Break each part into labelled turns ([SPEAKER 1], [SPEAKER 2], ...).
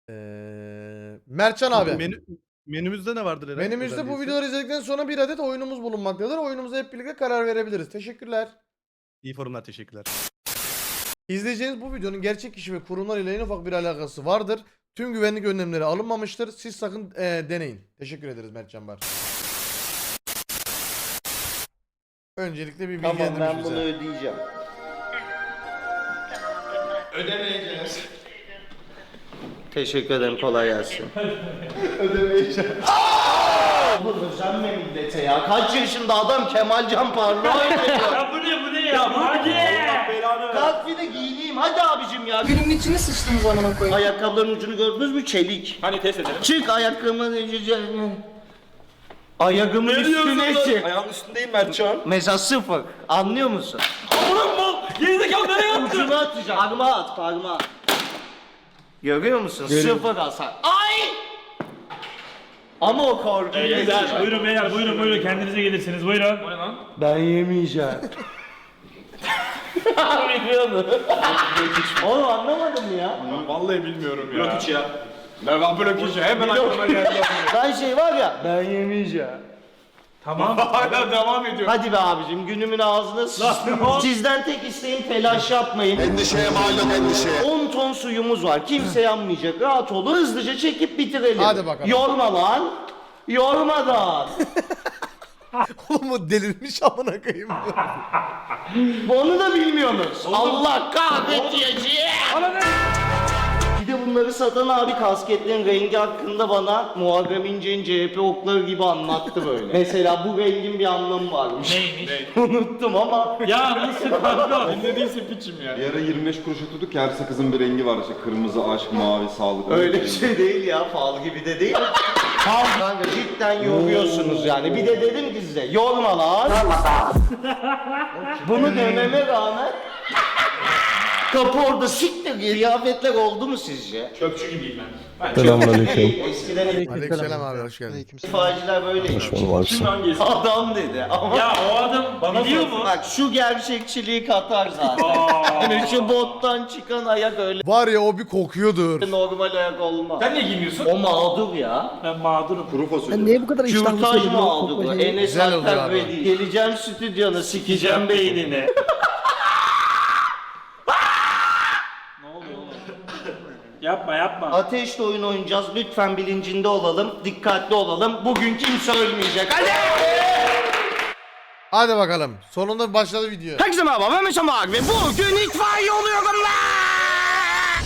[SPEAKER 1] Mertcan abi.
[SPEAKER 2] Menümüzde ne vardır Eren?
[SPEAKER 1] Menümüzde bu
[SPEAKER 2] Özelliği?
[SPEAKER 1] videoları izledikten sonra bir adet oyunumuz bulunmaktadır. Oyunumuza hep birlikte karar verebiliriz. Teşekkürler.
[SPEAKER 2] İyi forumlar, teşekkürler.
[SPEAKER 1] İzleyeceğiniz bu videonun gerçek kişi ve kurumlar ile en ufak bir alakası vardır. Tüm güvenlik önlemleri alınmamıştır. Siz sakın deneyin. Teşekkür ederiz Mertcan Bar. Öncelikle bir
[SPEAKER 3] Tamam
[SPEAKER 1] bilgilendirmiş
[SPEAKER 3] ben bunu
[SPEAKER 1] bize.
[SPEAKER 3] ödeyeceğim.
[SPEAKER 4] Ödemeyeceğiz.
[SPEAKER 3] Teşekkür ederim kolay gelsin.
[SPEAKER 4] Ödemeyeceğim.
[SPEAKER 3] Bu özenme millete ya. Kaç yaşında adam Kemalcan Parlağı oynuyor.
[SPEAKER 5] Ya bu ne ya? Hadi.
[SPEAKER 3] Kalk bir de giyineyim hadi abicim ya.
[SPEAKER 6] Günün içine sıçtınız amına koyayım.
[SPEAKER 3] Ayakkabıların ucunu gördünüz mü? Çelik.
[SPEAKER 5] Hani test edelim.
[SPEAKER 3] Çık ayakkabımın ayağımın üstüne çık.
[SPEAKER 4] Ayağımın üstündeyim Mertcan.
[SPEAKER 3] Mesela sıfır. Anlıyor musun?
[SPEAKER 5] Aman mal. Gerizekalı nereye attın?
[SPEAKER 3] Ucunu atacağım. Parmağı at parmağı. Görüyor musun? Sıfır hasar. Ay! Ama o korkuyu geçiyor.
[SPEAKER 5] Buyurun beyler buyurun kendinize gelirsiniz buyurun. O ne lan?
[SPEAKER 3] Ben yemeyeceğim. Oğlum anlamadım ya.
[SPEAKER 4] Vallahi bilmiyorum ya.
[SPEAKER 5] Blok 3 ya.
[SPEAKER 4] Ben blok işi hemen aklıma geldi.
[SPEAKER 3] Ben şey var ya. Ben yemeyeceğim.
[SPEAKER 5] Tamam.
[SPEAKER 4] Hala devam ediyor.
[SPEAKER 3] Hadi be abicim günümün ağzına sıçtım. Sizden tek isteğim telaş yapmayın.
[SPEAKER 7] Endişeye malum endişeye.
[SPEAKER 3] 10 ton suyumuz var. Kimse yanmayacak. Rahat olun. Hızlıca çekip bitirelim.
[SPEAKER 1] Hadi bakalım.
[SPEAKER 3] Yorma lan. Yormadan.
[SPEAKER 1] Oğlum o delirmiş amına koyayım.
[SPEAKER 3] Onu da bilmiyorsunuz. Allah kahretmeyeceği. Bir de bunları satan abi kasketlerin rengi hakkında bana Muharrem İnce'nin CHP okları gibi anlattı böyle. Mesela bu rengin bir anlamı varmış.
[SPEAKER 5] Neymiş?
[SPEAKER 3] Unuttum ama.
[SPEAKER 5] Ya nasıl kanka?
[SPEAKER 4] Ne değilse piçim ya.
[SPEAKER 8] Bir ara 25 kuruşa tuttuk her sakızın bir rengi var işte kırmızı, aşk, mavi, sağlık.
[SPEAKER 3] Öyle bir şey değil ya. Fal gibi de değil. Kanka cidden yoruyorsunuz yani. Bir de dedim ki size yorma lan. Bunu dememe rağmen kapı orada siktir diye kıyafetler oldu mu sizce?
[SPEAKER 5] Çöpçü gibiyim ben.
[SPEAKER 7] Selamünaleyküm.
[SPEAKER 3] Eskiden
[SPEAKER 1] Aleykümselam abi hoş geldin.
[SPEAKER 3] itfaiyeciler böyleymiş.
[SPEAKER 5] Kim hangisi?
[SPEAKER 3] Adam dedi ama
[SPEAKER 5] Ya o adam bana biliyor mu?
[SPEAKER 3] bak şu gerçekçiliği katar zaten. Yani şu bottan çıkan ayak öyle
[SPEAKER 1] Var ya o bir kokuyordur.
[SPEAKER 3] normal ayak olmaz.
[SPEAKER 5] Sen niye giymiyorsun?
[SPEAKER 3] O mağdur ya.
[SPEAKER 5] Ben mağdurum.
[SPEAKER 8] Kuru fasulye.
[SPEAKER 6] Sen niye bu kadar iştahlı
[SPEAKER 3] Kürtaj
[SPEAKER 6] söylüyorsun?
[SPEAKER 3] mağdur bu. Enes
[SPEAKER 1] Güzel oldu
[SPEAKER 3] Alper
[SPEAKER 1] abi.
[SPEAKER 3] Bey değil. Geleceğim stüdyona sikeceğim beynini.
[SPEAKER 5] Yapma.
[SPEAKER 3] Ateşle oyun oynayacağız. Lütfen bilincinde olalım. Dikkatli olalım. Bugün kimse ölmeyecek. Hadi!
[SPEAKER 1] Hadi bakalım. Sonunda başladı video.
[SPEAKER 3] Herkese merhaba ben Mesut Ağar ve bugün itfaiye oluyorum lan!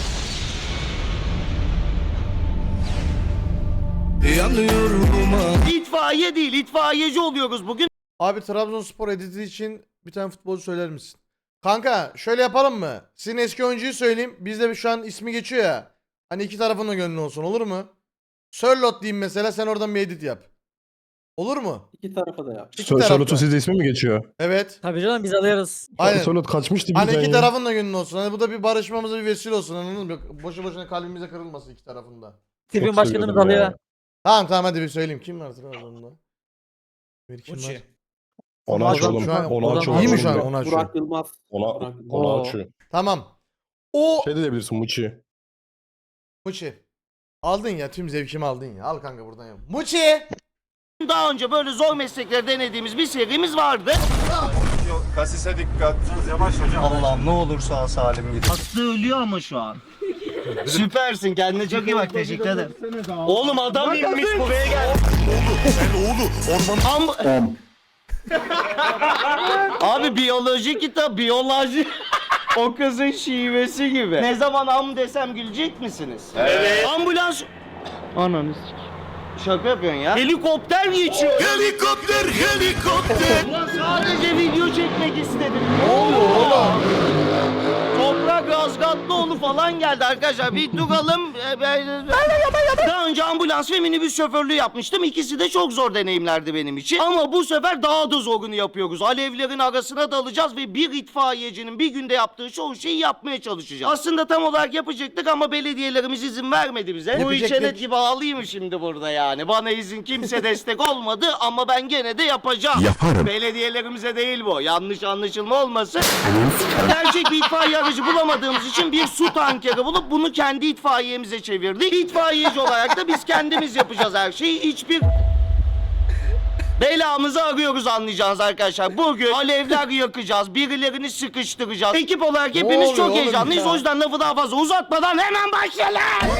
[SPEAKER 3] İtfaiye değil, itfaiyeci oluyoruz bugün.
[SPEAKER 1] Abi Trabzonspor editi için bir tane futbolcu söyler misin? Kanka şöyle yapalım mı? Sizin eski oyuncuyu söyleyeyim. Bizde şu an ismi geçiyor ya. Hani iki tarafın da gönlü olsun olur mu? Sörlot diyeyim mesela sen oradan bir edit yap. Olur mu?
[SPEAKER 6] İki tarafa da yap.
[SPEAKER 1] İki tarafta.
[SPEAKER 7] Charlotte'un sizde ismi mi geçiyor?
[SPEAKER 1] Evet.
[SPEAKER 6] Tabii canım biz alırız.
[SPEAKER 1] Aynen.
[SPEAKER 7] Charlotte kaçmıştı
[SPEAKER 1] Hani
[SPEAKER 7] birden
[SPEAKER 1] iki
[SPEAKER 7] ya.
[SPEAKER 1] tarafın da gönlü olsun. Hani bu da bir barışmamıza bir vesile olsun anladın mı? Boşu boşuna kalbimize kırılmasın iki tarafında.
[SPEAKER 6] Tribün başkanımız
[SPEAKER 7] seviyordum ya.
[SPEAKER 6] alıyor.
[SPEAKER 1] Tamam hadi bir söyleyeyim. Kim var Trabzon'da? Bir kim var?
[SPEAKER 7] Onu aç oğlum.
[SPEAKER 1] Şu an-
[SPEAKER 7] Onu aç oğlum.
[SPEAKER 1] İyi mi şu an onu açıyor?
[SPEAKER 6] Burak Yılmaz.
[SPEAKER 7] Onu açıyor.
[SPEAKER 1] Tamam. O
[SPEAKER 7] Şey de diyebilirsin Muçi.
[SPEAKER 1] Muçi. Aldın ya tüm zevkimi aldın ya. Al kanka buradan yap. Muçi.
[SPEAKER 3] Daha önce böyle zor meslekleri denediğimiz bir serimiz vardı.
[SPEAKER 8] Kasise dikkat.
[SPEAKER 3] Allah'ım ne olursa al salim git. Aslı ölüyor ama şu an. Süpersin kendine çok iyi bak teşekkür ederim. Oğlum adam inmiş buraya gel. Oğlu Abi biyoloji kitap biyoloji. O kızın şivesi gibi. Ne zaman am desem gülecek misiniz? Evet. Ambulans. Ananı Şaka yapıyorsun ya. Helikopter geçiyor. Helikopter. Ulan sadece video çekmek istedim. Ne oluyor oğlum? Toprak Razgatlıoğlu falan geldi arkadaşlar. Bir duralım. Daha önce ambulans ve minibüs şoförlüğü yapmıştım. İkisi de çok zor deneyimlerdi benim için. Ama bu sefer daha da zorunu yapıyoruz. Alevlerin arasına dalacağız ve bir itfaiyecinin bir günde yaptığı çoğu şeyi yapmaya çalışacağız. Aslında tam olarak yapacaktık ama belediyelerimiz izin vermedi bize. Bu
[SPEAKER 1] Yapacaktık.
[SPEAKER 3] içenet gibi ağlayayım mı şimdi burada yani? Bana izin kimse destek olmadı ama ben gene de yapacağım. Belediyelerimize değil bu. Yanlış anlaşılma olmasın. Gerçek bir itfaiye aracı bulamadığım kullanmadığımız için bir su tankeri bulup bunu kendi itfaiyemize çevirdik. İtfaiyeci olarak da biz kendimiz yapacağız her şeyi. Hiçbir belamızı arıyoruz anlayacağınız arkadaşlar. Bugün alevler yakacağız, birilerini sıkıştıracağız. Ekip olarak hepimiz
[SPEAKER 1] oluyor
[SPEAKER 3] çok
[SPEAKER 1] oğlum
[SPEAKER 3] heyecanlıyız.
[SPEAKER 1] ya?
[SPEAKER 3] O yüzden lafı daha fazla uzatmadan hemen başlayalım.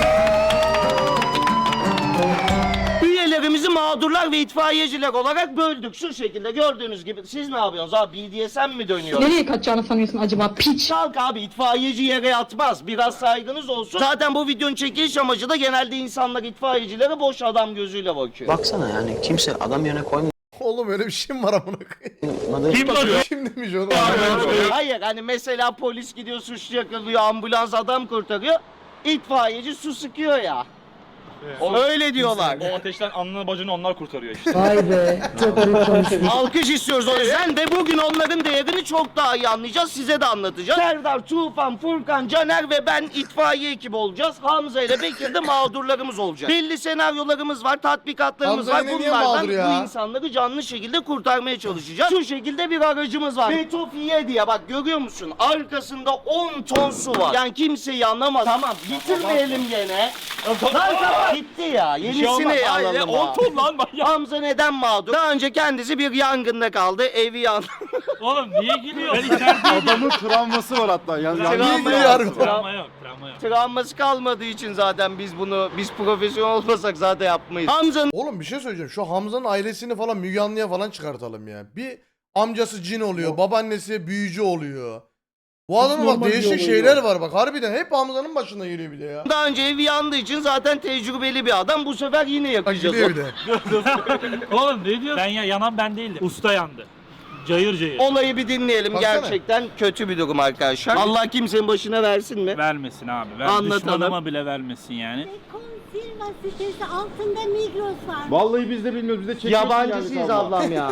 [SPEAKER 3] Üyelerimizi mağdurlar ve itfaiyeciler olarak böldük. Şu şekilde gördüğünüz gibi. Siz ne yapıyorsunuz abi? BDSM mi dönüyor?
[SPEAKER 9] Nereye kaçacağını sanıyorsun acaba piç?
[SPEAKER 3] Kalk abi, itfaiyeci yere yatmaz. Biraz saygınız olsun. Zaten bu videonun çekiliş amacı da genelde insanlar itfaiyecilere boş adam gözüyle bakıyor.
[SPEAKER 10] Baksana yani kimse adam yerine
[SPEAKER 1] Oğlum öyle bir şey mi var amına koyayım?
[SPEAKER 10] koymadı.
[SPEAKER 3] Kim bakıyor?
[SPEAKER 1] Kim demiş onu?
[SPEAKER 3] Hayır hani mesela polis gidiyor suçlu yakalıyor, ambulans adam kurtarıyor. İtfaiyeci su sıkıyor ya. Öyle diyorlar.
[SPEAKER 4] O ateşten alnını bacını onlar kurtarıyor işte.
[SPEAKER 9] Vay be. Çok garip konuşmuş.
[SPEAKER 3] Alkış istiyoruz o yüzden ve bugün onların değerini çok daha iyi anlayacağız. Size de anlatacağız. Serdar, Tufan, Furkan, Caner ve ben itfaiye ekibi olacağız. Hamza ile Bekir de mağdurlarımız olacak. Belli senaryolarımız var, tatbikatlarımız
[SPEAKER 1] Hamza
[SPEAKER 3] var.
[SPEAKER 1] yine niye
[SPEAKER 3] Bunlardan
[SPEAKER 1] mağdur ya?
[SPEAKER 3] bu insanları canlı şekilde kurtarmaya çalışacağız. Şu şekilde bir aracımız var. Betofiye diye bak görüyor musun? Arkasında 10 ton su var. Yani kimseyi anlamaz. Tamam bitirmeyelim gene. Lan kapat. Gitti ya. Yenisini alalım. 10 ton lan manyak. Hamza neden mağdur? Daha önce kendisi bir yangında kaldı. Evi yandı.
[SPEAKER 5] Oğlum niye gülüyorsun? Ben içerideydim.
[SPEAKER 8] Adamın travması var hatta. Yani
[SPEAKER 3] Travma
[SPEAKER 1] Niye
[SPEAKER 3] yok.
[SPEAKER 1] gülüyor?
[SPEAKER 5] Travma yok, travma yok.
[SPEAKER 3] Travması kalmadığı için zaten biz profesyonel olmasak zaten yapmayız. Hamza'nın
[SPEAKER 1] Oğlum bir şey söyleyeceğim. Şu Hamza'nın ailesini falan Müge Anlı'ya falan çıkartalım ya. Bir amcası cin oluyor, babaannesi büyücü oluyor. Bu adamın bak değişik şeyler var bak. Harbiden hep Hamza'nın başına geliyor bir de ya.
[SPEAKER 3] daha önce evi yandığı için zaten tecrübeli bir adam. Bu sefer yine
[SPEAKER 1] Bak
[SPEAKER 3] yakacağız.
[SPEAKER 1] gidiyor bir de.
[SPEAKER 5] Oğlum ne diyorsun? Yanan ben değildim. Usta yandı. Cayır cayır.
[SPEAKER 3] Olayı bir dinleyelim.
[SPEAKER 1] Baksana.
[SPEAKER 3] Gerçekten kötü bir durum arkadaşlar. Allah kimsenin başına versin mi?
[SPEAKER 5] Vermesin abi.
[SPEAKER 3] Anlatalım.
[SPEAKER 5] Düşmanıma bile vermesin yani.
[SPEAKER 11] Silva sitesi altında Migros var.
[SPEAKER 8] Vallahi biz de bilmiyoruz. Biz de çekiyoruz
[SPEAKER 3] Yabancısıyız ablam ya.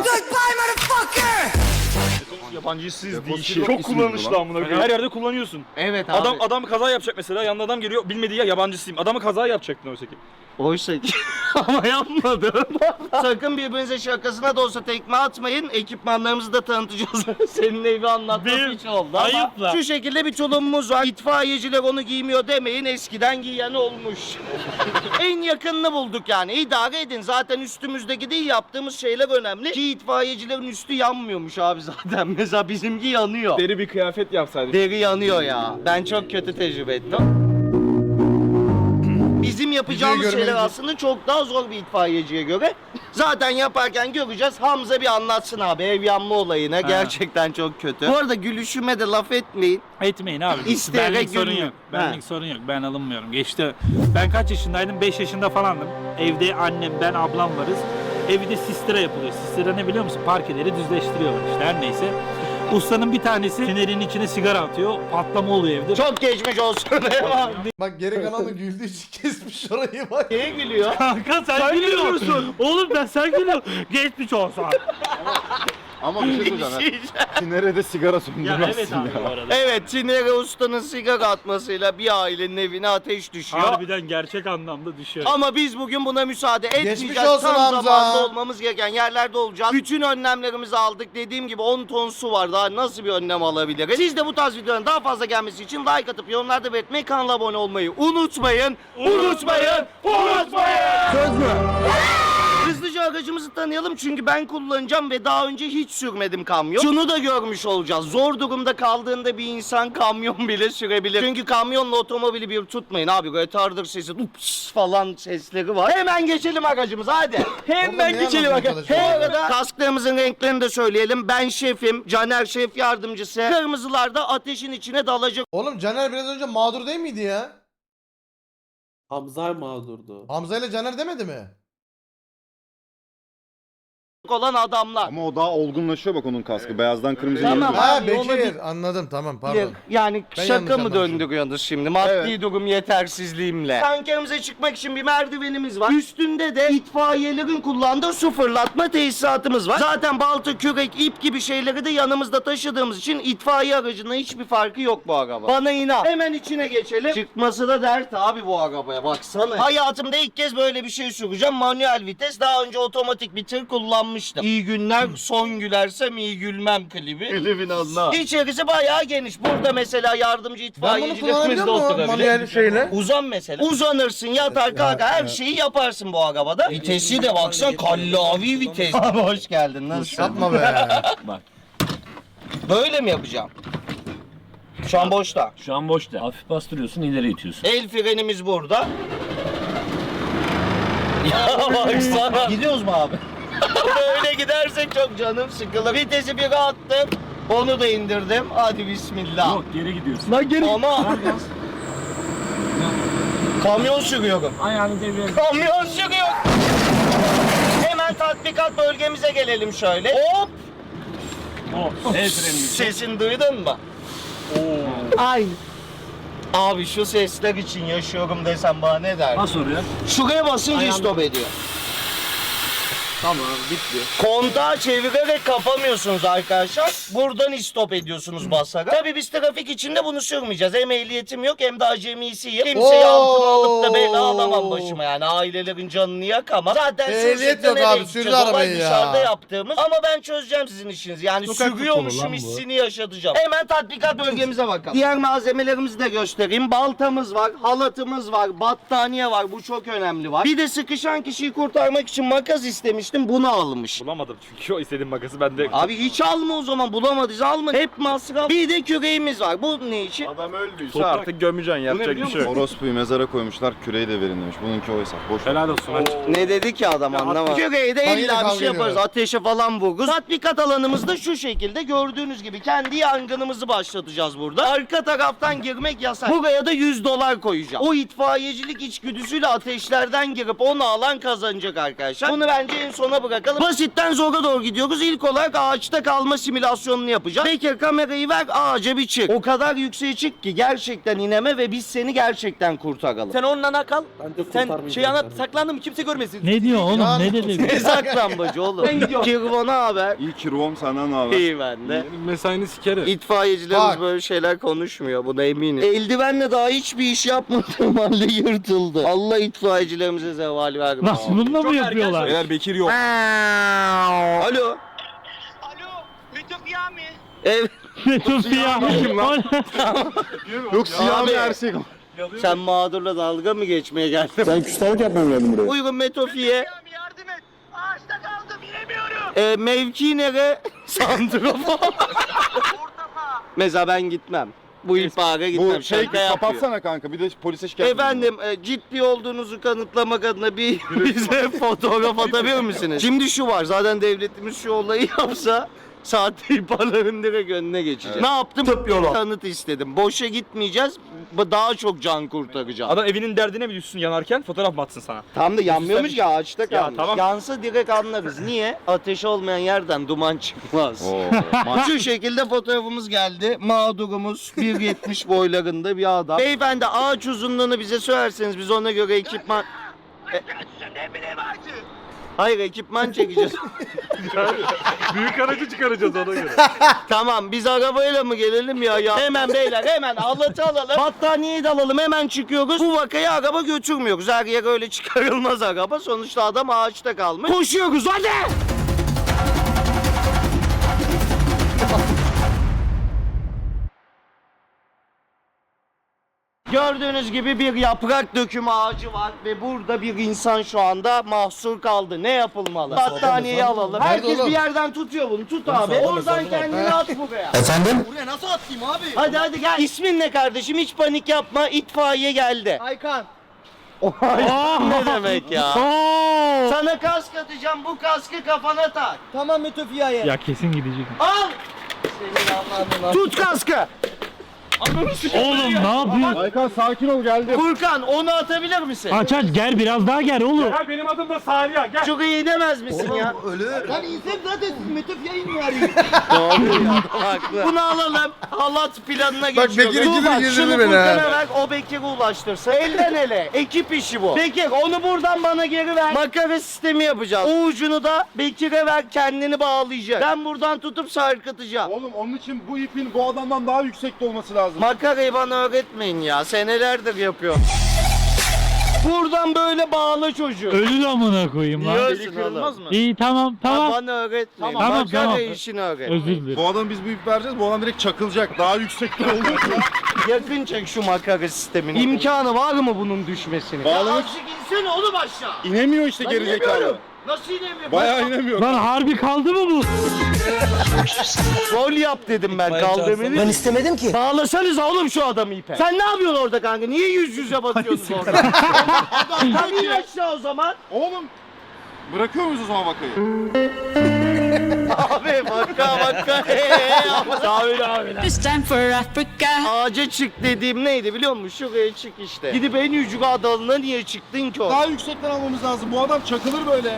[SPEAKER 4] Yabancısız değil. Çok kullanışlı amına koyayım. Her yerde kullanıyorsun.
[SPEAKER 3] Evet abi.
[SPEAKER 4] Adam kaza yapacak mesela. Yanında adam geliyor. Bilmediği ya yabancısıyım. Adamı kaza yapacaktın oysa ki.
[SPEAKER 3] Oysa ki ama yapmadım. Sakın birbirinize şakasına da olsa tekme atmayın. Ekipmanlarımızı da tanıtacağız. Senin evi anlatmak için oldu ama
[SPEAKER 5] ayıpla.
[SPEAKER 3] şu şekilde bir tulumumuz var. İtfaiyeciler onu giymiyor demeyin. Eskiden giyen olmuş. En yakınını bulduk yani. İdare edin. Zaten üstümüzdeki değil yaptığımız şeyler önemli. Ki itfaiyecilerin üstü yanmıyormuş abi zaten. Mesela bizimki yanıyor.
[SPEAKER 4] Deri bir kıyafet yapsaydık.
[SPEAKER 3] Deri yanıyor ya. Ben çok kötü tecrübe ettim. Bizim yapacağımız
[SPEAKER 1] Videoyu
[SPEAKER 3] şeyler
[SPEAKER 1] görmeniz-
[SPEAKER 3] aslında çok daha zor bir itfaiyeciye göre. Zaten yaparken göreceğiz. Hamza bir anlatsın abi ev yanma olayına. Gerçekten çok kötü. Bu arada gülüşüme de laf etmeyin.
[SPEAKER 5] Etmeyin abi.
[SPEAKER 3] İsteyerek
[SPEAKER 5] Benlik sorun
[SPEAKER 3] gülmüyor.
[SPEAKER 5] yok. Benlik sorun yok. Ben alınmıyorum. Geçti. Ben kaç yaşındaydım? 5 yaşında falandım. Evde annem, ben, ablam varız. Evde sistira yapılıyor. Sistira ne biliyor musun? Parkeleri düzleştiriyorlar işte her neyse. Ustanın bir tanesi fenerin içine sigara atıyor. Patlama oluyor evde.
[SPEAKER 3] Çok geçmiş olsun.
[SPEAKER 1] Bak geri kalanı güldüğü için kesmiş orayı bak.
[SPEAKER 3] Neye gülüyor?
[SPEAKER 5] Kanka sen gülüyorsun. Oğlum sen gülüyorsun. Geçmiş olsun.
[SPEAKER 8] Ama bir şey söyleyeceğim. Nerede sigara
[SPEAKER 5] Ya
[SPEAKER 8] söndürmezsin
[SPEAKER 5] evet abi bu arada.
[SPEAKER 3] Evet, Çinere Usta'nın sigara atmasıyla bir ailenin evine ateş düşüyor.
[SPEAKER 5] Harbiden gerçek anlamda düşüyor.
[SPEAKER 3] Ama biz bugün buna müsaade etmeyeceğiz.
[SPEAKER 1] Geçmiş olsun
[SPEAKER 3] Tam
[SPEAKER 1] Hamza.
[SPEAKER 3] zamanında olmamız gereken yerlerde olacağız. Bütün önlemlerimizi aldık. Dediğim gibi 10 ton su var. Daha nasıl bir önlem alabiliriz? Siz de bu tarz videoların daha fazla gelmesi için like atıp yorumlarda belirtmeyi, kanala abone olmayı unutmayın. Unutmayın. Söz mü? Hızlıca aracımızı tanıyalım çünkü ben kullanacağım ve daha önce hiç sürmedim kamyon. Şunu da görmüş olacağız. Zor durumda kaldığında bir insan kamyon bile sürebilir. Çünkü kamyonla otomobili bir tutmayın abi. Retarder sesi, ups falan sesleri var. Hemen geçelim aracımıza hadi.
[SPEAKER 1] Orada
[SPEAKER 3] Hemen
[SPEAKER 1] ne
[SPEAKER 3] geçelim
[SPEAKER 1] anlatmaya
[SPEAKER 3] aracımıza. Bu
[SPEAKER 1] çalışıyorsun?
[SPEAKER 3] arada kasklarımızın renklerini de söyleyelim. Ben şefim, Caner şef yardımcısı. Kırmızılar da ateşin içine dalacak
[SPEAKER 1] Oğlum Caner biraz önce mağdur değil miydi ya?
[SPEAKER 6] Hamza mağdurdu.
[SPEAKER 1] Hamza ile Caner demedi mi?
[SPEAKER 3] olan adamlar.
[SPEAKER 8] Ama o daha olgunlaşıyor bak onun kaskı. Beyazdan kırmızıya
[SPEAKER 3] Tamam.
[SPEAKER 8] geliyor.
[SPEAKER 1] Ha
[SPEAKER 3] Abi, olabilir.
[SPEAKER 1] Bekir anladım tamam pardon.
[SPEAKER 3] Yani
[SPEAKER 1] Ben
[SPEAKER 3] şaka
[SPEAKER 1] yanlış
[SPEAKER 3] mı
[SPEAKER 1] anlamışım.
[SPEAKER 3] döndürüyorsunuz şimdi? Maddi
[SPEAKER 8] Evet.
[SPEAKER 3] durum yetersizliğimle. Tankerimize çıkmak için bir merdivenimiz var. Üstünde de itfaiyelerin kullandığı su fırlatma tesisatımız var. Zaten balta, kürek, ip gibi şeyleri de yanımızda taşıdığımız için itfaiye aracının hiçbir farkı yok bu araba. Bana inan. Hemen içine geçelim. Çıkması da dert abi bu arabaya baksana. Hayatımda ilk kez böyle bir şey süreceğim. Manuel vites. Daha önce otomatik bir tır kullanmıştım. kullanmıştım. İyi günler son gülersem iyi gülmem klibi. Klibin anla. İçerisi bayağı geniş. Burada mesela yardımcı
[SPEAKER 1] Ben bunu
[SPEAKER 3] itfaiyecilerimiz
[SPEAKER 1] kullanabiliyor
[SPEAKER 3] de
[SPEAKER 1] muyum
[SPEAKER 3] oturabilir.
[SPEAKER 1] manuel şeyle?
[SPEAKER 3] Uzan mesela. Uzanırsın, yatar, kalkar, her şeyi yaparsın bu arabada. Vitesi de baksan kallavi vites. Abi hoş geldin, nasılsın?
[SPEAKER 1] Yapma be.
[SPEAKER 3] Böyle mi yapacağım? Şu an boşta.
[SPEAKER 5] Şu an boşta. Hafif bastırıyorsun, ileri itiyorsun.
[SPEAKER 3] El frenimiz burada. Ya baksana. Gidiyoruz mu abi? Böyle gidersek çok canım sıkılır. Vitesi bir attım. Onu da indirdim. Hadi bismillah.
[SPEAKER 5] Yok, geri gidiyorsun.
[SPEAKER 3] Lan geri. Ama. Kamyon sürüyorum.
[SPEAKER 5] Ayağını devreye.
[SPEAKER 3] Kamyon sürüyorum. Hemen tatbikat bölgemize gelelim şöyle. Hop.
[SPEAKER 5] El frenini.
[SPEAKER 3] Sesini duydun mu?
[SPEAKER 9] Ay.
[SPEAKER 3] Abi şu sesler için yaşıyorum desem bana ne der?
[SPEAKER 5] Nasıl oluyor?
[SPEAKER 3] Şuraya basınca stop ediyor.
[SPEAKER 6] Tamam bitti.
[SPEAKER 3] Kontağı çevirerek kapamıyorsunuz arkadaşlar. Buradan stop ediyorsunuz basarak. Tabii biz trafik içinde bunu sürmeyeceğiz. Hem ehliyetim yok hem de acemisiyim. Kimseyi altına alıp da bela alamam başıma yani. Ailelerin canını yakamam. Zaten
[SPEAKER 1] Ehliyet
[SPEAKER 3] sürüşte
[SPEAKER 1] yok
[SPEAKER 3] nereye
[SPEAKER 1] abi,
[SPEAKER 3] gideceğiz?
[SPEAKER 1] sürdü
[SPEAKER 3] Olay
[SPEAKER 1] arabayı ya.
[SPEAKER 3] dışarıda yaptığımız. Ama ben çözeceğim sizin işinizi. Yani
[SPEAKER 7] Sokak futbolu
[SPEAKER 3] sürüyormuşum
[SPEAKER 7] lan bu.
[SPEAKER 3] hissini yaşatacağım. Hemen tatbikat bölgemize bakalım. Diğer malzemelerimizi de göstereyim. Baltamız var, halatımız var, battaniye var. Bu çok önemli var. Bir de sıkışan kişiyi kurtarmak için makas istemiştim. Bunu almış.
[SPEAKER 4] Bulamadım çünkü o istediğim makası bende.
[SPEAKER 3] Abi hiç alma o zaman, bulamadıysa alma. Hep masraf. Bir de küreğimiz var. Bu ne için?
[SPEAKER 2] Adam öldüyse
[SPEAKER 4] Toprağı artık gömeceksin, yapacak bir şey yok.
[SPEAKER 8] Orospuyu mezara koymuşlar, küreği de verin demiş. Bununki oysa. Boş ver.
[SPEAKER 5] Helal olsun. Hadi.
[SPEAKER 3] Ne dedi ki adam anlamadım. Küreği de
[SPEAKER 1] Ben yine
[SPEAKER 3] illa bir
[SPEAKER 1] kavga
[SPEAKER 3] şey yaparız.
[SPEAKER 1] ediyorum.
[SPEAKER 3] Ateşe falan vururuz. Tatbikat alanımızda şu şekilde gördüğünüz gibi kendi yangınımızı başlatacağız burada. Arka taraftan girmek yasak. Buraya da $100 koyacağım. O itfaiyecilik içgüdüsüyle ateşlerden girip onu alan kazanacak arkadaşlar. Bunu bence en sona bırakalım. Basitten zora doğru gidiyoruz. İlk olarak ağaçta kalma simülasyonunu yapacağız. Bekir kamerayı ver, ağaca bir çık. O kadar yükseğe çık ki gerçekten ineme ve biz seni gerçekten kurtaralım.
[SPEAKER 6] Sen onunla kal. Ben de
[SPEAKER 3] Sen
[SPEAKER 6] şey anlat. Saklandım kimse görmesin.
[SPEAKER 5] Ne diyor oğlum?
[SPEAKER 1] Ya-
[SPEAKER 5] Ne dedi?
[SPEAKER 3] Ne saklambacı oğlum?
[SPEAKER 6] Ben gidiyorum.
[SPEAKER 3] Kirvana haber.
[SPEAKER 8] İyi ki Ruom senden ne haber?
[SPEAKER 3] İyi bende.
[SPEAKER 2] Mesaini sikerim.
[SPEAKER 3] İtfaiyecilerimiz
[SPEAKER 1] Bak.
[SPEAKER 3] böyle şeyler konuşmuyor. Buna eminim. Eldivenle daha hiçbir iş yapmadığım halde yırtıldı. Allah itfaiyecilerimize zeval vermesin.
[SPEAKER 5] Nasıl bununla mı yapıyorlar?
[SPEAKER 8] Eğer Bekir yok.
[SPEAKER 3] Alo. Evet.
[SPEAKER 5] Sofya.
[SPEAKER 8] Yok siyah
[SPEAKER 3] Abi.
[SPEAKER 8] bir ersek.
[SPEAKER 3] Sen mağdurla dalga mı geçmeye geldin?
[SPEAKER 7] Sen küstahlık yapmaya mı geldin buraya?
[SPEAKER 3] Uygun Metofi'ye. Mevki nere? Santrafor. Mesela ben gitmem. Bu ihbara gitmem.
[SPEAKER 8] Bu şey
[SPEAKER 3] Şaka yapıyor.
[SPEAKER 8] kapatsana kanka. Bir de polise şikayet
[SPEAKER 3] Efendim ciddi olduğunuzu kanıtlamak adına bize fotoğraf atabilir misiniz? Şimdi şu var, zaten devletimiz şu olayı yapsa sahte ihbarların direkt önüne geçecek. Ne yaptım? Tıp yolu. Kanıt istedim. Boşa gitmeyeceğiz. Daha çok can kurtaracağım.
[SPEAKER 4] Adam evinin derdine mi düşsün yanarken fotoğraf mı atsın sana?
[SPEAKER 3] Tam da yanmıyormuş ya, ağaçta
[SPEAKER 4] Ya
[SPEAKER 3] kalmış.
[SPEAKER 4] tamam.
[SPEAKER 3] Yansa direkt anlarız. Niye? Ateş olmayan yerden duman çıkmaz. Şu şekilde fotoğrafımız geldi. Mağdurumuz 1.70 boylarında bir adam. Beyefendi ağaç uzunluğunu bize söylerseniz biz ona göre ekipman... Hayır, ekipman çekeceğiz.
[SPEAKER 2] Büyük aracı çıkaracağız ona göre.
[SPEAKER 3] Tamam, biz arabayla mı gelelim ya? Hemen beyler, hemen halatı alalım. Battaniyeyi de alalım, hemen çıkıyoruz. Bu vakayı araba götürmüyoruz. Her yere öyle çıkarılmaz araba. Sonuçta adam ağaçta kalmış. Koşuyoruz hadi! Gördüğünüz gibi bir yaprak dökümü ağacı var ve burada bir insan şu anda mahsur kaldı. Ne yapılmalı? Battaniyeyi alalım.
[SPEAKER 1] Nerede
[SPEAKER 3] Herkes
[SPEAKER 1] oğlum?
[SPEAKER 3] bir yerden tutuyor bunu. Tut abi. Oradan kendini at buraya.
[SPEAKER 10] Efendim?
[SPEAKER 3] Buraya nasıl atayım abi? Hadi gel. İsmin ne kardeşim? Hiç panik yapma. İtfaiye geldi.
[SPEAKER 6] Aykan.
[SPEAKER 3] Ne demek ya? Sana kask atacağım. Bu kaskı kafana tak.
[SPEAKER 6] Tamam Metofia'ya.
[SPEAKER 5] Ya kesin gidecek.
[SPEAKER 3] Al. Tut kaskı.
[SPEAKER 5] Oğlum ne yapıyorsun?
[SPEAKER 8] Aykan sakin ol geldi.
[SPEAKER 3] Furkan onu atabilir misin?
[SPEAKER 5] Aç gel biraz daha gel oğlum.
[SPEAKER 4] Ya benim adım da Saniye. Gel.
[SPEAKER 3] Çok iyi demez misin ya?
[SPEAKER 6] Lan insan zaten Metofia'yı mı arıyor?
[SPEAKER 3] Doğru ya, haklı. Bunu alalım. Halat planına geçiyoruz.
[SPEAKER 1] Bekir ikili
[SPEAKER 3] Dur bak,
[SPEAKER 1] girdi
[SPEAKER 3] şunu
[SPEAKER 1] beni ha.
[SPEAKER 3] Furkan'a ver, o Bekir'e ulaştırsın. Elden ele. Ekip işi bu. Bekir onu buradan bana geri ver. Makara sistemi yapacağız. O ucunu da Bekir'e ver, kendini bağlayacak. Ben buradan tutup sarkıtacağım.
[SPEAKER 8] Oğlum onun için bu ipin bu adamdan daha yüksekte olması lazım.
[SPEAKER 3] Makarayı bana öğretmeyin ya. Senelerdir yapıyorum. Buradan böyle bağla çocuğu.
[SPEAKER 5] Ölür amına koyayım lan.
[SPEAKER 3] Yiyorsun oğlum.
[SPEAKER 4] mı?
[SPEAKER 5] İyi tamam tamam.
[SPEAKER 3] Bana öğretme.
[SPEAKER 5] Tamam,
[SPEAKER 3] Makara
[SPEAKER 5] tamam.
[SPEAKER 3] işini öğret.
[SPEAKER 5] Özür dilerim.
[SPEAKER 8] Bu adam biz bu ip vereceğiz. Bu adam direkt çakılacak. Daha yüksekte olduğu için.
[SPEAKER 3] Yakın çek şu makara sistemini. İmkanı var mı bunun düşmesini?
[SPEAKER 8] Bağlamak-
[SPEAKER 3] Azıcık insene oğlum aşağı.
[SPEAKER 8] İnemiyor işte
[SPEAKER 3] Lan
[SPEAKER 8] gerizekalı.
[SPEAKER 3] inemiyorum. Nasıl inemiyor?
[SPEAKER 8] Bayağı inemiyor.
[SPEAKER 5] Lan harbi kaldı mı bu?
[SPEAKER 3] Rol yap dedim ben kaldırmayı.
[SPEAKER 6] Ben istemedim ki.
[SPEAKER 3] Bağlasanıza oğlum şu adamı ipe. Sen ne yapıyorsun orada kanka? Niye yüz yüze batıyorsunuz orada? Adam in aşağı o zaman.
[SPEAKER 8] Oğlum. Bırakıyor muyuz o zaman vakayı?
[SPEAKER 3] Abi bakka.
[SPEAKER 9] This time for Africa.
[SPEAKER 3] Ağaca çık dediğim neydi biliyor musun? Şuraya çık işte. Gidip en yukarı dalına niye çıktın ki orada?
[SPEAKER 8] Daha yüksekten almamız lazım. Bu adam çakılır böyle.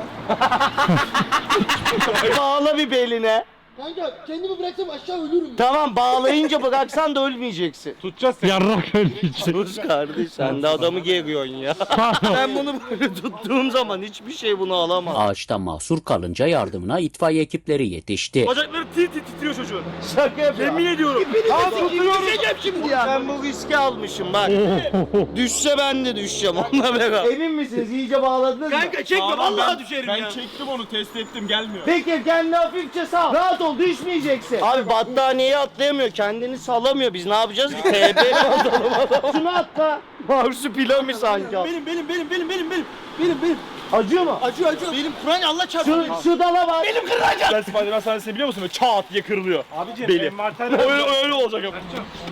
[SPEAKER 3] Bağla bir beline.
[SPEAKER 6] Kanka kendimi bıraksam aşağı ölürüm.
[SPEAKER 3] Tamam bağlayınca bıraksan da ölmeyeceksin.
[SPEAKER 4] Tutacağız seni.
[SPEAKER 5] Yarrak ölecek.
[SPEAKER 3] Sus kardeş sen de adamı geriyorsun ya. Ben bunu böyle tuttuğum zaman hiçbir şey bunu alamaz.
[SPEAKER 10] Ağaçta mahsur kalınca yardımına itfaiye ekipleri yetişti.
[SPEAKER 4] Bacakları titriyor çocuğun.
[SPEAKER 3] Şaka yapıyorum.
[SPEAKER 4] Yemin ediyorum.
[SPEAKER 3] Düşeceğim şimdi ya. Ben bu riski almışım bak. Düşse ben de düşeceğim onunla beraber. Emin misiniz? İyice bağladınız mı?
[SPEAKER 4] Kanka çekme vallahi düşerim ya. Ben çektim onu test ettim gelmiyor.
[SPEAKER 3] Peki kendini hafifçe sal. Rahat ol düşmeyeceksin. Abi battaniyeyi atlayamıyor. Kendini salamıyor. Biz ne yapacağız ki? TB mi atalım adam? Şunu atla. Marsupilami sanki. Benim. Acıyor mu?
[SPEAKER 6] Acıyor. Benim Kur'an Allah çarpsın.
[SPEAKER 3] Şu dala bak. Benim
[SPEAKER 4] Gel Spider-Man sahnesini biliyor musun? Böyle çat diye kırılıyor. Abicim beli. Öyle olacak ama.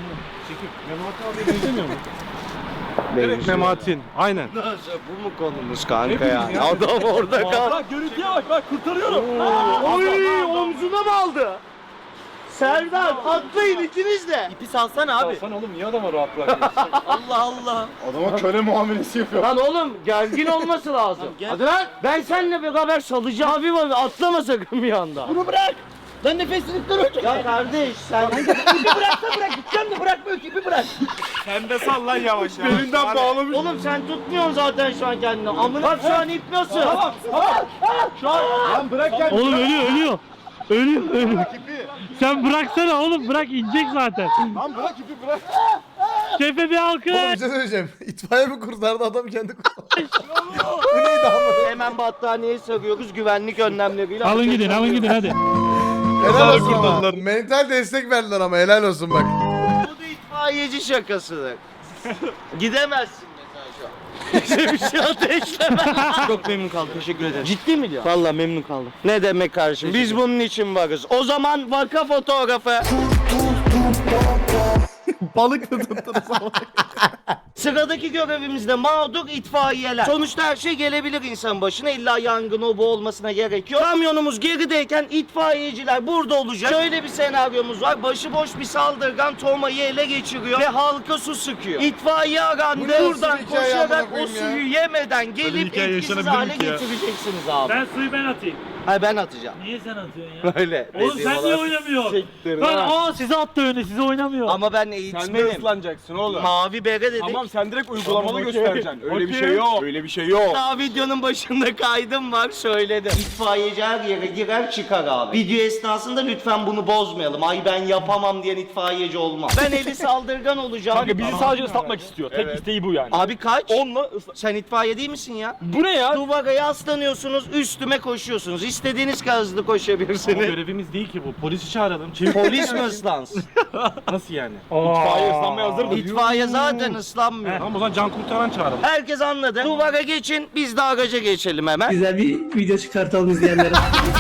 [SPEAKER 2] Mematin. Aynen.
[SPEAKER 3] Bu mu konumuz kanka ya? Adam orada kaldı.
[SPEAKER 4] Bak görüntüye bak kurtarıyorum.
[SPEAKER 3] Oy omzuna mı aldı? Serdar atlayın ikiniz de.
[SPEAKER 6] İpi salsana abi.
[SPEAKER 4] Sen oğlum niye adama rahat bırakıyorsun?
[SPEAKER 6] Allah.
[SPEAKER 8] Adama köle muamelesi yapıyor.
[SPEAKER 3] Lan oğlum gergin olması lazım. Hadi lan. Ben seninle beraber salacağım. Abi var atlama sakın bir anda.
[SPEAKER 6] Bunu bırak. Lan nefesini tuttur.
[SPEAKER 3] Ya kardeş sen
[SPEAKER 6] İpi bıraksa bırak. Gideceğim de bırakmıyor ki ipi bırak.
[SPEAKER 4] Sen de sal lan yavaş yavaş.
[SPEAKER 8] Belinden bağlamış.
[SPEAKER 3] oğlum sen tutmuyorsun zaten şu an kendini. Amına bak şu an ip nasıl? Şu an
[SPEAKER 8] Lan bırak kendini.
[SPEAKER 5] Oğlum ölüyor. Ölüyor. Sen bıraksana oğlum bırak inecek zaten.
[SPEAKER 8] Lan bırak ipi bırak.
[SPEAKER 5] Şefe bir alkış.
[SPEAKER 1] Oğlum bir şey söyleyeceğim. İtfaiye mi kurtardı adam kendi kurtardı. Bu neydi ama?
[SPEAKER 3] hemen battaniyeyi sarıyoruz güvenlik önlemleriyle.
[SPEAKER 5] Alın gidin hadi.
[SPEAKER 1] Helal olsun ama. Mental destek verdiler ama helal olsun bak.
[SPEAKER 3] Bu da itfaiyeci şakasıdır. Gidemezsin mesela şu an. Bize bir şey ateşleme. Çok memnun kaldım. Teşekkür ederim. Ciddi mi diyor? Vallahi memnun kaldım. Ne demek kardeşim? Biz bunun için varız. O zaman vaka fotoğrafı.
[SPEAKER 8] Balık da tuttunuz ama.
[SPEAKER 3] Sıradaki görevimizde mağdur itfaiyeler. Sonuçta her şey gelebilir insanın başına. İlla yangın o bu olmasına gerek yok. Kamyonumuz gerideyken itfaiyeciler burada olacak. Şöyle bir senaryomuz var. Başıboş bir saldırgan Toma'yı ele geçiriyor ve halka su sıkıyor. İtfaiye
[SPEAKER 1] Bu
[SPEAKER 3] arandı.
[SPEAKER 1] ne
[SPEAKER 3] Buradan
[SPEAKER 1] nasıl bir hikaye
[SPEAKER 3] koşarak
[SPEAKER 1] amına
[SPEAKER 3] o
[SPEAKER 1] koyayım ya?
[SPEAKER 3] suyu yemeden gelip
[SPEAKER 4] hikaye
[SPEAKER 3] etkisiz
[SPEAKER 4] yaşanabilir
[SPEAKER 3] hale
[SPEAKER 4] mi ki ya?
[SPEAKER 3] getireceksiniz abi.
[SPEAKER 5] Ben suyu ben atayım.
[SPEAKER 3] Hayır ben atacağım.
[SPEAKER 5] Niye sen atıyorsun ya?
[SPEAKER 3] Öyle.
[SPEAKER 5] Oğlum sen niye oynamıyorsun? Lan size attı öyle size oynamıyor.
[SPEAKER 3] Ama ben
[SPEAKER 2] Sen de
[SPEAKER 3] eğitmenim.
[SPEAKER 2] ıslanacaksın oğlum.
[SPEAKER 3] Mavi bere dedik.
[SPEAKER 2] Tamam sen direkt uygulamalı
[SPEAKER 5] Tamam, okey.
[SPEAKER 2] göstereceksin. Öyle bir
[SPEAKER 5] Okey.
[SPEAKER 2] şey yok. Öyle bir şey yok.
[SPEAKER 3] Daha videonun başında kaydım var söyledim. İtfaiyeci her yere girer çıkar abi. Video esnasında lütfen bunu bozmayalım. Ay ben yapamam diyen itfaiyeci olmaz. Ben eli saldırgan olacağım.
[SPEAKER 4] Kanka bizi sadece ıslatmak istiyor. Tek isteği bu yani.
[SPEAKER 3] Abi kaç?
[SPEAKER 4] Onunla
[SPEAKER 3] Sen itfaiye değil misin ya?
[SPEAKER 4] Bu ne ya?
[SPEAKER 3] Duvara yaslanıyorsunuz, üstüme koşuyorsunuz. İstediğiniz kadar hızlı
[SPEAKER 5] Ama
[SPEAKER 3] koşabilirsiniz.
[SPEAKER 5] görevimiz değil ki bu. Polisi çağıralım.
[SPEAKER 3] Polis mi ıslansın?
[SPEAKER 5] Nasıl yani?
[SPEAKER 4] İtfaiye ıslanmaya hazır mı?
[SPEAKER 3] İtfaiye zaten ıslanmıyor.
[SPEAKER 4] Tamam o zaman can kurtaran çağıralım.
[SPEAKER 3] Herkes anladı. Duvara geçin, biz de araca geçelim hemen.
[SPEAKER 6] Güzel bir video çıkartalım izleyenlere.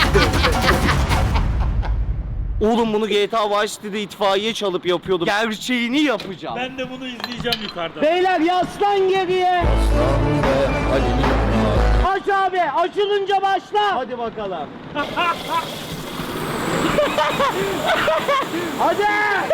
[SPEAKER 3] Oğlum bunu GTA Vice City'de itfaiye çalıp yapıyordum. Gerçeğini yapacağım.
[SPEAKER 5] Ben de bunu izleyeceğim yukarıdan.
[SPEAKER 3] Beyler yaslan geriye. Aç abi. Açılınca başla. Hadi bakalım. Hadi.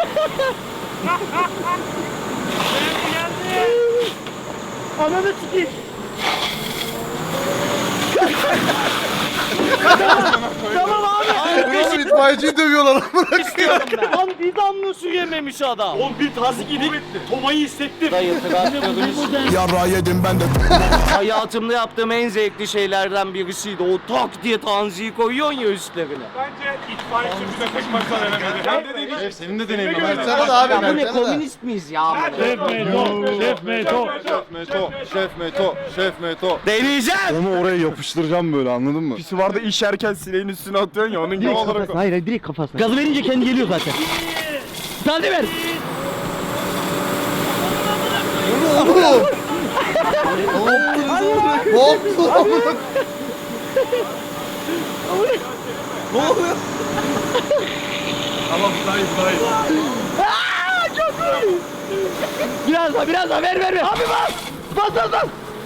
[SPEAKER 3] Ananı sikeyim. Tamam abi.
[SPEAKER 1] Oğlum itfaiyeciyi dövüyorlar amına.
[SPEAKER 3] istiyorum ben. Lan bir damla su yememiş adam.
[SPEAKER 4] Oğlum bir tazik yedik. Tomayı hissettim.
[SPEAKER 3] Dayı traktörümüz.
[SPEAKER 7] Yarrağı yedim ben de.
[SPEAKER 3] Hayatımda yaptığım en zevkli şeylerden birisiydi. O tak diye tanziyi koyuyorsun ya üstlerine.
[SPEAKER 4] Bence itfaiye bize tek başına veremedi.
[SPEAKER 8] Senin de deneyimin
[SPEAKER 1] Versene de abi
[SPEAKER 3] Ya bu ne
[SPEAKER 1] versene de.
[SPEAKER 3] komünist miyiz ya?
[SPEAKER 2] Şef Meto.
[SPEAKER 8] Şef Meto.
[SPEAKER 3] Deneyeceğim.
[SPEAKER 8] Onu oraya yapıştıracağım böyle, anladın mı? Pisi vardı işerken sileğin üstüne atıyorsun ya, onun gibi olarak.
[SPEAKER 6] Hayır direkt kafasına. Gazı verince kendi geliyor zaten. Hadi ver.
[SPEAKER 1] Oğlum. Ne yaptın amına?
[SPEAKER 2] Tamam sayı.
[SPEAKER 6] Biraz daha ver. Abi bas. Bas.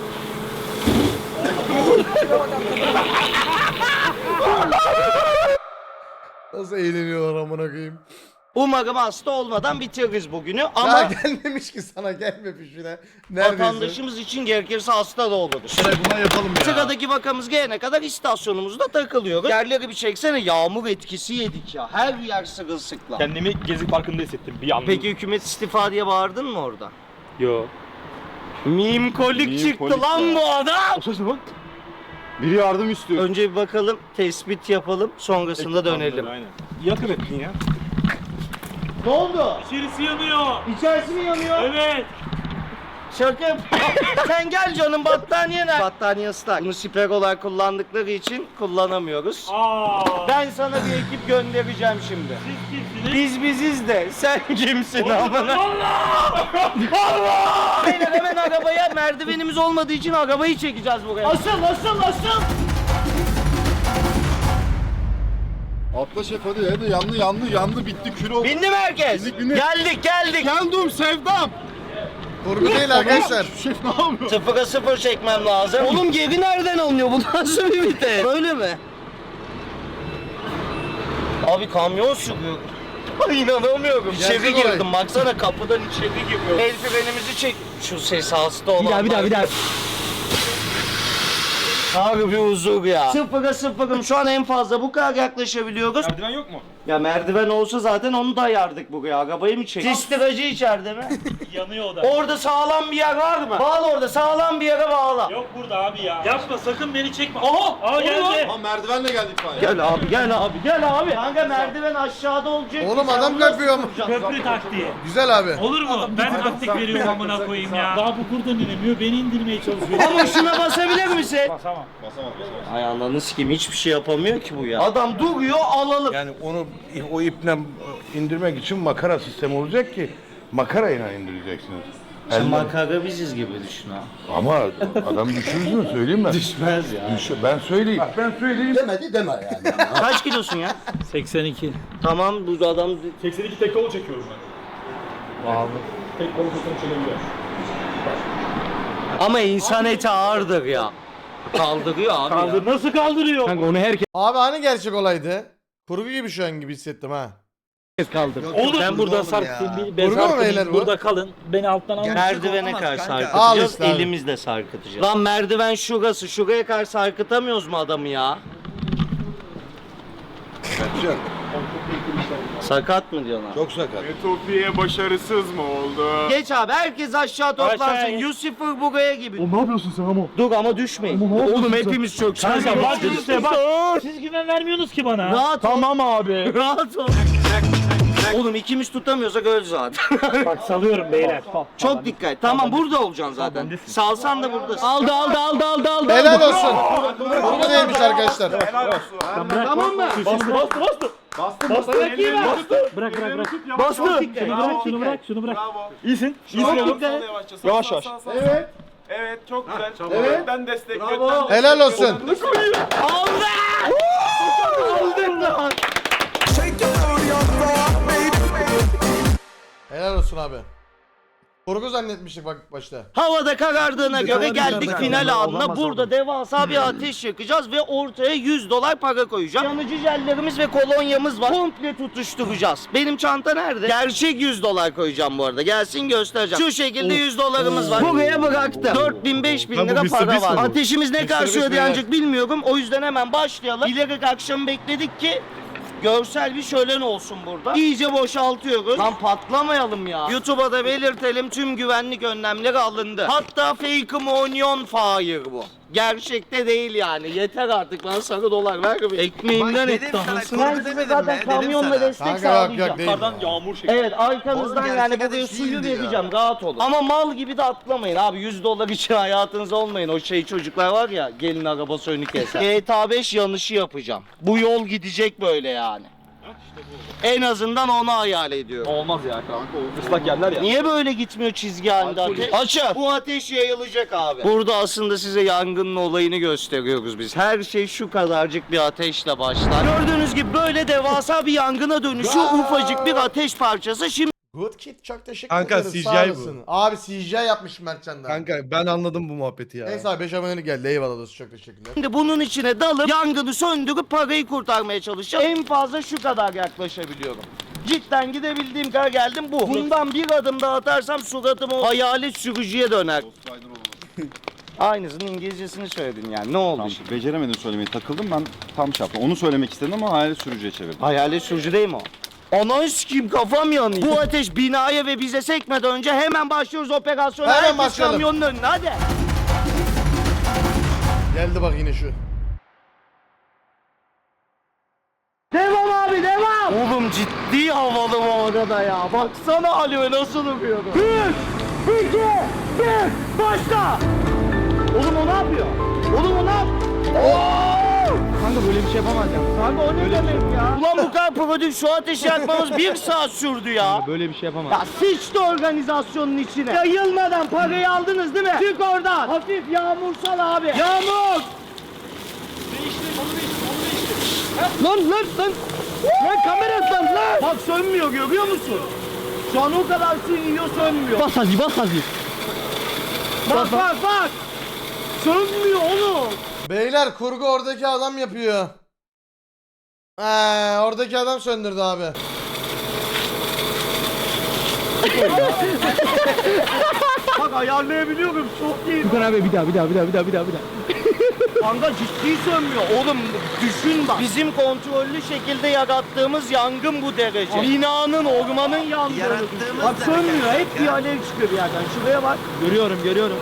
[SPEAKER 1] Nasıl eğleniyorlar amına koyayım.
[SPEAKER 3] Umarım hasta olmadan bitiririz bugünü
[SPEAKER 1] Ya
[SPEAKER 3] ama
[SPEAKER 1] gelmemiş ki sana gelmemiş bile. Neredeyse.
[SPEAKER 3] vatandaşımız için gerekirse hasta da oluruz.
[SPEAKER 1] Buna yapalım ya.
[SPEAKER 3] Sıradaki vakamız gelene kadar istasyonumuzda takılıyoruz. Yerleri bir çeksene, yağmur etkisi yedik ya. Her yer sırılsıklam.
[SPEAKER 4] Kendimi Gezi Parkı'nda hissettim bir anda.
[SPEAKER 3] Peki hükümet istifa diye bağırdın mı orada?
[SPEAKER 4] Yo.
[SPEAKER 3] Mimkolik çıktı
[SPEAKER 8] Mimkolik
[SPEAKER 3] lan
[SPEAKER 8] ya.
[SPEAKER 3] bu adam.
[SPEAKER 8] Biri yardım istiyor.
[SPEAKER 3] Önce bir bakalım, tespit yapalım, sonrasında dönelim.
[SPEAKER 4] Aynen. Yakın ettin ya.
[SPEAKER 3] Ne oldu?
[SPEAKER 5] İçerisi yanıyor.
[SPEAKER 3] İçerisi mi yanıyor?
[SPEAKER 5] Evet.
[SPEAKER 3] Şaka yap- Sen gel canım, battaniye nerede? Battaniye ıslak. Bunu siper olarak kullandıkları için kullanamıyoruz. Ben sana bir ekip göndereceğim şimdi.
[SPEAKER 5] Siz kimsiniz?
[SPEAKER 3] Biz biziz de sen kimsin amına? Beyler hemen arabaya, merdivenimiz olmadığı için arabayı çekeceğiz buraya. Asıl.
[SPEAKER 8] Atla şef hadi yandı bitti kül oldu.
[SPEAKER 3] Bindi mi herkes?
[SPEAKER 8] Bindik.
[SPEAKER 3] Geldik.
[SPEAKER 8] Geldim sevdam.
[SPEAKER 1] Kurgu değil arkadaşlar.
[SPEAKER 8] Şef ne yapıyor?
[SPEAKER 3] 0'a 0 çekmem lazım. Oğlum geri nereden alınıyor? Bu nasıl bir vites? Böyle mi? Abi kamyon sürüyor. Ay inanamıyorum.
[SPEAKER 1] Gerçek
[SPEAKER 3] İçeri
[SPEAKER 1] olay.
[SPEAKER 3] girdim. Baksana kapıdan içeri giriyor. El frenimizi çek. Şu ses hasta olan.
[SPEAKER 6] Bir daha.
[SPEAKER 3] Abi bir huzur ya. 0'a 0'ım. Şu an en fazla bu kadar yaklaşabiliyoruz.
[SPEAKER 4] Merdiven yok mu?
[SPEAKER 3] Ya merdiven olsa zaten onu dayardık buraya. Arabayı mı çek? Sistiracı içeride mi?
[SPEAKER 5] Yanıyor o da.
[SPEAKER 3] Orada sağlam bir yer var mı? Bağla orada. Sağlam bir yere bağla.
[SPEAKER 5] Yok burada abi ya. Yapma sakın beni çekme. Aha! Aa geldi.
[SPEAKER 8] Ha merdivenle geldi itfaiye.
[SPEAKER 3] Gel abi. Kanka merdiven aşağıda olacak.
[SPEAKER 1] Oğlum
[SPEAKER 3] Sen
[SPEAKER 1] adam
[SPEAKER 3] bunu nasıl
[SPEAKER 1] yapıyor ama.
[SPEAKER 3] yapacaksın?
[SPEAKER 5] Köprü taktiği.
[SPEAKER 1] Güzel abi.
[SPEAKER 5] Olur mu? Ben taktik veriyorum amına koyayım ya. Daha bu kurdan inemiyor. Beni indirmeye çalışıyor.
[SPEAKER 3] Ama şuna basabilir misin?
[SPEAKER 4] Basamam.
[SPEAKER 3] Ay ananı sikeyim, hiçbir şey yapamıyor ki bu ya. Adam duruyor, alalım.
[SPEAKER 12] Yani onu o iple indirmek için makara sistemi olacak ki makarayla indireceksiniz.
[SPEAKER 3] Sen makara biziz gibi düşün ha.
[SPEAKER 12] Ama adam düşürürsün mü söyleyeyim ben.
[SPEAKER 3] Düşmez ya.
[SPEAKER 12] Ben söyleyeyim. Bak ben söyleyeyim.
[SPEAKER 1] Demedi deme yani.
[SPEAKER 3] Kaç kilosun ya?
[SPEAKER 5] 82.
[SPEAKER 3] Tamam bu adam
[SPEAKER 4] 82 tek kolu çekiyorum ben.
[SPEAKER 5] Vallahi.
[SPEAKER 4] Tek kolu tutum çekebiliyor.
[SPEAKER 3] ama insan eti ağırdır ya. Kaldırıyor abi ya.
[SPEAKER 5] Nasıl kaldırıyor?
[SPEAKER 6] Kanka onu herkes
[SPEAKER 1] Abi hani gerçek olaydı? Kurgu gibi şu an gibi hissettim ha.
[SPEAKER 6] kaldır.
[SPEAKER 5] Oğlum ben burada
[SPEAKER 1] oğlum
[SPEAKER 5] sarkıtayım.
[SPEAKER 1] ya. Vurma mı beyler
[SPEAKER 5] Sarkıtayım.
[SPEAKER 1] bu?
[SPEAKER 5] Burada kalın. Beni alttan alın.
[SPEAKER 3] Merdivene karşı
[SPEAKER 1] Al
[SPEAKER 3] sarkıtacağız,
[SPEAKER 1] işte abi.
[SPEAKER 3] elimizle sarkıtacağız. Lan merdiven şurası, şuraya karşı sarkıtamıyoruz mu adamı ya? Sakat mı diyorlar?
[SPEAKER 12] Çok sakat.
[SPEAKER 8] Ütopya başarısız mı oldu?
[SPEAKER 3] Geç abi, herkes aşağı toplansın.
[SPEAKER 5] Aşağıya.
[SPEAKER 3] Lucifer buraya gibi.
[SPEAKER 8] Ne yapıyorsun sen ama?
[SPEAKER 3] Dur ama düşmeyin. Oğlum hepimiz çok
[SPEAKER 5] Kanka bak işte bak. Siz güven vermiyorsunuz ki bana.
[SPEAKER 3] Rahat ol.
[SPEAKER 8] Tamam abi.
[SPEAKER 3] Rahat ol. Oğlum ikimiz tutamıyorsak öl zaten.
[SPEAKER 5] Bak salıyorum beyler.
[SPEAKER 3] Çok dikkat. Tamam burada olacaksın zaten. Salsan da buradasın.
[SPEAKER 6] Aldı.
[SPEAKER 1] Helal olsun. Kurgu değilmiş arkadaşlar.
[SPEAKER 3] Tamam mı?
[SPEAKER 8] Bastı.
[SPEAKER 5] Bırak.
[SPEAKER 3] Bastı.
[SPEAKER 5] Şunu bırak.
[SPEAKER 4] İyisin. İyisin oğlum. Yavaş yavaş.
[SPEAKER 8] Evet çok güzel. Evet. Ben destekliyorum.
[SPEAKER 1] Helal olsun.
[SPEAKER 3] Aldı. Aldın lan.
[SPEAKER 1] Helal olsun abi. Kurgu zannetmiştik bak başta.
[SPEAKER 3] Havada karardığına göre geldik final anına. Burada devasa bir ateş yakacağız ve ortaya $100 para koyacağız. Yanıcı jellerimiz ve kolonyamız var. Komple tutuşturacağız. Benim çanta nerede? Gerçek $100 koyacağım bu arada. Gelsin göstereceğim. Şu şekilde $100'ımız var. Buraya bıraktım. 4000-5000 lira para var. Ateşimiz ne karşılıyor diye ancak bilmiyorum. O yüzden hemen başlayalım. İleri akşam bekledik ki Görsel bir şölen olsun burada. İyice boşaltıyoruz. Lan patlamayalım ya. YouTube'a da belirtelim, tüm güvenlik önlemleri alındı. Hatta fake onion fire bu. Gerçekte değil yani. Yeter artık, bana sarı dolar ver bir. Ekmeğimden etti anasını. Ben size zaten kamyonla destek
[SPEAKER 1] Kanka
[SPEAKER 3] sağlayacağım.
[SPEAKER 1] yok değil.
[SPEAKER 4] Yukarıdan yağmur şeklinde.
[SPEAKER 3] Evet, arkanızdan yani buraya suyu vereceğim, rahat olun. Ama mal gibi de atlamayın abi, $100 için hayatınız olmayın. O şey çocuklar var ya, gelin arabası önü keser. GTA 5 yanışı yapacağım. Bu yol gidecek böyle yani. En azından onu hayal ediyorum.
[SPEAKER 4] Olmaz ya kanka. Islak yerler ya.
[SPEAKER 3] Niye böyle gitmiyor çizgi halinde ateş? Açın. Bu ateş yayılacak abi. Burada aslında size yangının olayını gösteriyoruz biz. Her şey şu kadarcık bir ateşle başlar. Gördüğünüz gibi böyle devasa bir yangına dönüşüyor. Ufacık bir ateş parçası. Şimdi
[SPEAKER 1] Good Kid çok teşekkür
[SPEAKER 12] Kanka,
[SPEAKER 1] ederiz.
[SPEAKER 12] CGI
[SPEAKER 1] Sağ
[SPEAKER 12] bu.
[SPEAKER 1] olasın. Abi CGI yapmış Mertcan'da.
[SPEAKER 12] Kanka ben anladım bu muhabbeti ya.
[SPEAKER 1] Neyse abi 5 abonelik geldi. Eyvallah dostum, çok teşekkürler.
[SPEAKER 3] bunun içine dalıp yangını söndürüp parayı kurtarmaya çalışacağım. En fazla şu kadar yaklaşabiliyorum. Cidden gidebildiğim kadar geldim bu. Bundan bir adım daha atarsam suratım o hayalet sürücüye döner. Aynısının İngilizcesini söyledin yani. Ne oldu şimdi?
[SPEAKER 8] Beceremedim söylemeyi, takıldım ben, tam şey yaptım. Onu söylemek istedim ama hayalet sürücüye çevirdim.
[SPEAKER 3] Hayalet sürücü değil mi o? Ananı sikeyim, kafam yanıyor. Bu ateş binaya ve bize sekmeden önce hemen başlıyoruz operasyona.
[SPEAKER 1] Hemen
[SPEAKER 3] Herkes
[SPEAKER 1] başlayalım.
[SPEAKER 3] kamyonun önüne hadi.
[SPEAKER 1] Geldi bak yine şu.
[SPEAKER 3] Devam abi devam. Oğlum ciddi havalı bu arada ya. Baksana Ali'ye nasıl duruyor. 1, 2, 1, başla. Oğlum o ne yapıyor? Oğlum o ne yapıyor?
[SPEAKER 6] Kanka böyle bir şey yapamayacağım.
[SPEAKER 3] Kanka o ne demek ya? Ulan bu kadar prodük şu ateşi yakmamız 1 saat sürdü ya.
[SPEAKER 6] Böyle bir şey yapamam.
[SPEAKER 3] Ya sıçtı organizasyonun içine. Yayılmadan parayı aldınız değil mi? Çık oradan. Hafif yağmursal abi. Yağmur.
[SPEAKER 6] Lan. Lan kamera lan.
[SPEAKER 3] Bak sönmüyor, görüyor musun? Şu an o kadar su iniyor, sönmüyor.
[SPEAKER 6] Bas hadi.
[SPEAKER 3] Bak. Sönmüyor oğlum.
[SPEAKER 1] Beyler kurgu oradaki adam yapıyor. Oradaki adam söndürdü abi.
[SPEAKER 3] Bak ayarlayabiliyorum, çok iyi.
[SPEAKER 6] Furkan abi bir daha.
[SPEAKER 3] Kanka ciddi sönmüyor. Oğlum düşün bak. Bizim kontrollü şekilde yarattığımız yangın bu derece. Binanın, ormanın yangını. Bak sönmüyor. Hep bir alev çıkıyor bir yerden. Şuraya bak.
[SPEAKER 6] Görüyorum.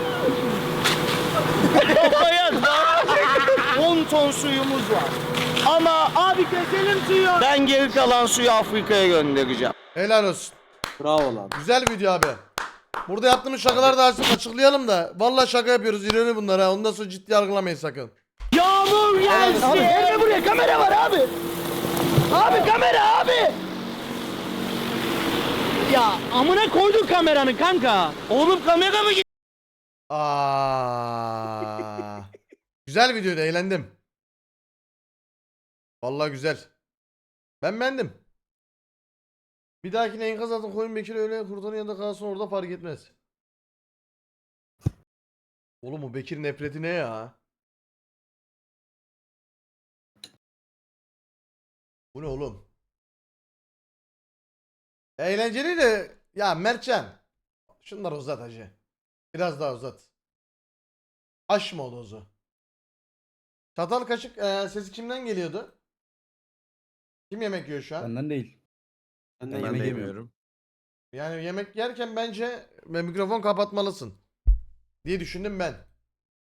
[SPEAKER 3] Kafaya 10 ton suyumuz var. Ama abi keselim suyu. Ben geri kalan suyu Afrika'ya göndereceğim.
[SPEAKER 1] Helal olsun.
[SPEAKER 6] Bravo lan.
[SPEAKER 1] Güzel video abi. Burada yaptığımız şakaları da açıklayalım da. Vallahi şaka yapıyoruz. İroni bunlar ha. Ondan sonra ciddi yargılamayın sakın.
[SPEAKER 3] Yağmur gelsin.
[SPEAKER 6] Abi gelme buraya, kamera var abi. Abi kamera abi. Ya amına koydun kameranı kanka.
[SPEAKER 3] Oğlum kamera mı gitti?
[SPEAKER 1] Güzel videoydu, eğlendim. Vallahi güzel. Ben beğendim. Bir dahakine enkaz altına koyun Bekir öyle kurtarın yanında kalsın, orada fark etmez. Oğlum o Bekir nefreti ne ya? Bu ne oğlum? Eğlenceli de ya Mertcan. Şunları uzat hacı. Biraz daha uzat. Aşma o dozu. Çatal kaşık sesi kimden geliyordu? Kim yemek yiyor şu an?
[SPEAKER 6] Benden değil. Ben yemek yemiyorum.
[SPEAKER 1] Yani yemek yerken bence mikrofon kapatmalısın diye düşündüm ben.